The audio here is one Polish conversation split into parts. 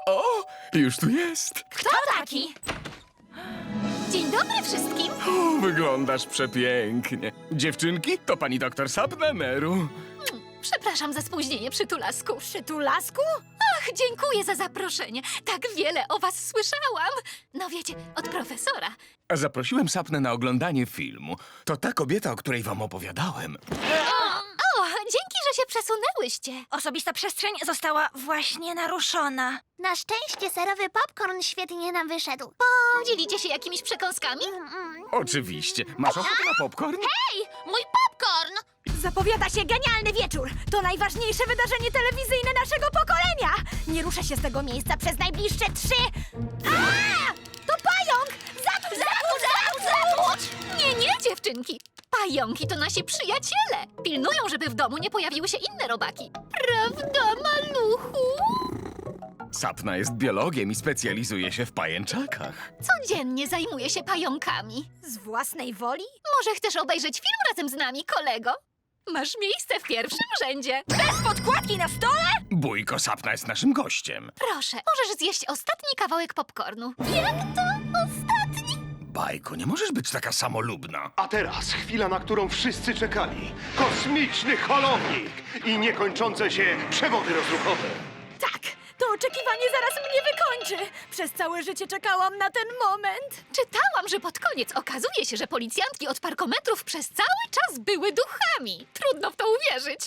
O, już tu jest. Kto taki? Dzień dobry wszystkim. O, wyglądasz przepięknie. Dziewczynki, to pani doktor Sapna-Meru. Przepraszam za spóźnienie, przytulasku. Przytulasku? Ach, dziękuję za zaproszenie. Tak wiele o was słyszałam. No wiecie, od profesora. A zaprosiłem Sapnę na oglądanie filmu. To ta kobieta, o której wam opowiadałem. O, dzięki, że się przesunęłyście. Osobista przestrzeń została właśnie naruszona. Na szczęście serowy popcorn świetnie nam wyszedł. Podzielicie się jakimiś przekąskami? Oczywiście. Masz ochotę na popcorn? Hej, mój popcorn! Zapowiada się genialny wieczór. To najważniejsze wydarzenie telewizyjne naszego pokolenia. Nie ruszę się z tego miejsca przez najbliższe 3... A! To pająk! Zabudź! Nie, dziewczynki. Pająki to nasi przyjaciele. Pilnują, żeby w domu nie pojawiły się inne robaki. Prawda, maluchu? Sapna jest biologiem i specjalizuje się w pajęczakach. Codziennie zajmuje się pająkami. Z własnej woli? Może chcesz obejrzeć film razem z nami, kolego? Masz miejsce w pierwszym rzędzie. Bez podkładki na stole? Bójko Sapna jest naszym gościem. Proszę, możesz zjeść ostatni kawałek popcornu. Jak to ostatni? Bajko, nie możesz być taka samolubna. A teraz chwila, na którą wszyscy czekali. Kosmiczny holownik i niekończące się przewody rozruchowe. Tak, to oczekiwanie zaraz mnie wykończy. Przez całe życie czekałam na ten moment. Czytałam, że pod koniec okazuje się, że policjantki od parkometrów przez cały czas były duchami. Trudno w to uwierzyć.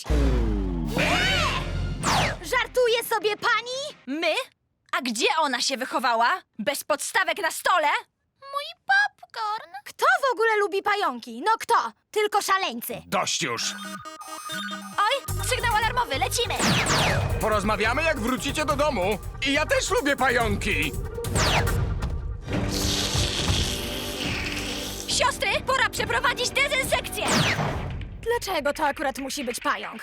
Żartuje sobie pani? My? A gdzie ona się wychowała? Bez podstawek na stole? Mój popcorn! Kto w ogóle lubi pająki? No kto? Tylko szaleńcy. Dość już. Oj, sygnał alarmowy, lecimy! Porozmawiamy, jak wrócicie do domu. I ja też lubię pająki. Siostry, pora przeprowadzić dezynsekcję! Dlaczego to akurat musi być pająk?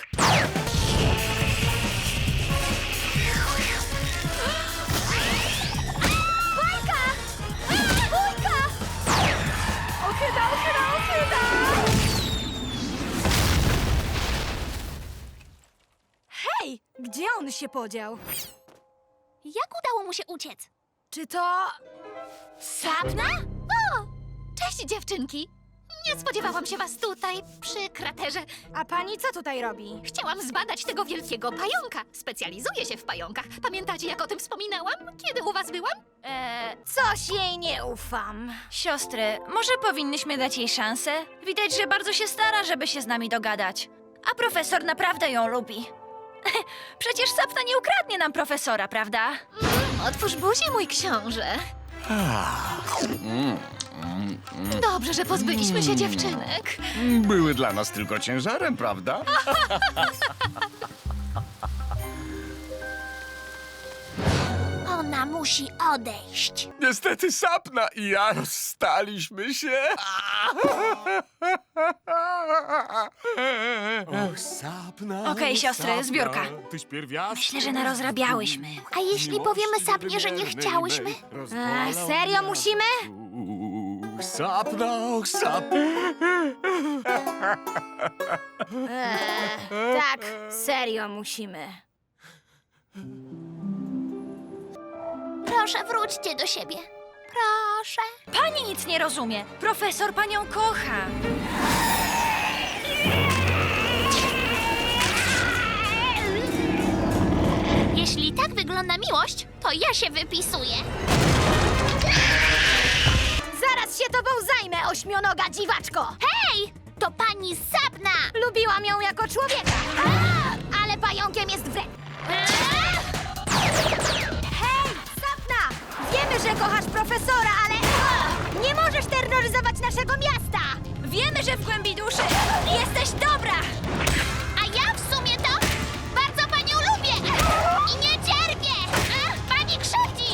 Bajka! Bójka! Ochyda! Hej, gdzie on się podział? Jak udało mu się uciec? Czy to... Sapna? O, cześć dziewczynki. Nie spodziewałam się was tutaj, przy kraterze. A pani co tutaj robi? Chciałam zbadać tego wielkiego pająka. Specjalizuję się w pająkach. Pamiętacie, jak o tym wspominałam, kiedy u was byłam? Coś jej nie ufam. Siostry, może powinnyśmy dać jej szansę? Widać, że bardzo się stara, żeby się z nami dogadać. A profesor naprawdę ją lubi. Przecież Sapna nie ukradnie nam profesora, prawda? Otwórz buzię, mój książę. Dobrze, że pozbyliśmy się dziewczynek. Były dla nas tylko ciężarem, prawda? Ona musi odejść. Niestety Sapna i ja rozstaliśmy się. Och, Sapna. Okej, siostry, Sapna, zbiórka. Tyś pierwiastek. Myślę, że narozrabiałyśmy. A jeśli powiemy Sapnie, że nie chciałyśmy? Serio musimy? Sapna, och, Sapna. Tak, serio musimy. Proszę, wróćcie do siebie. Proszę. Pani nic nie rozumie. Profesor panią kocha. Jeśli tak wygląda miłość, to ja się wypisuję. Zaraz się tobą zajmę, ośmionoga dziwaczko. Hej! To pani Sapna! Lubiłam ją jako człowieka. Ale pająkiem jest wre... Hej, Sapna! Wiemy, że kochasz profesora, ale... Nie możesz terroryzować naszego miasta! Wiemy, że w głębi duszy jesteś dobra! A ja w sumie to bardzo panią lubię! I nie cierpię! Pani krzywdzi!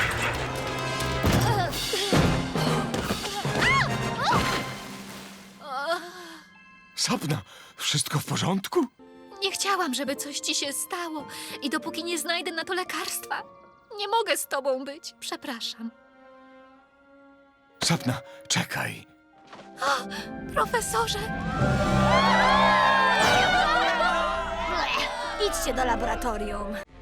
Sapna, wszystko w porządku? Nie chciałam, żeby coś ci się stało. I dopóki nie znajdę na to lekarstwa, nie mogę z tobą być. Przepraszam. Sapna, czekaj. Profesorze! Idźcie do laboratorium.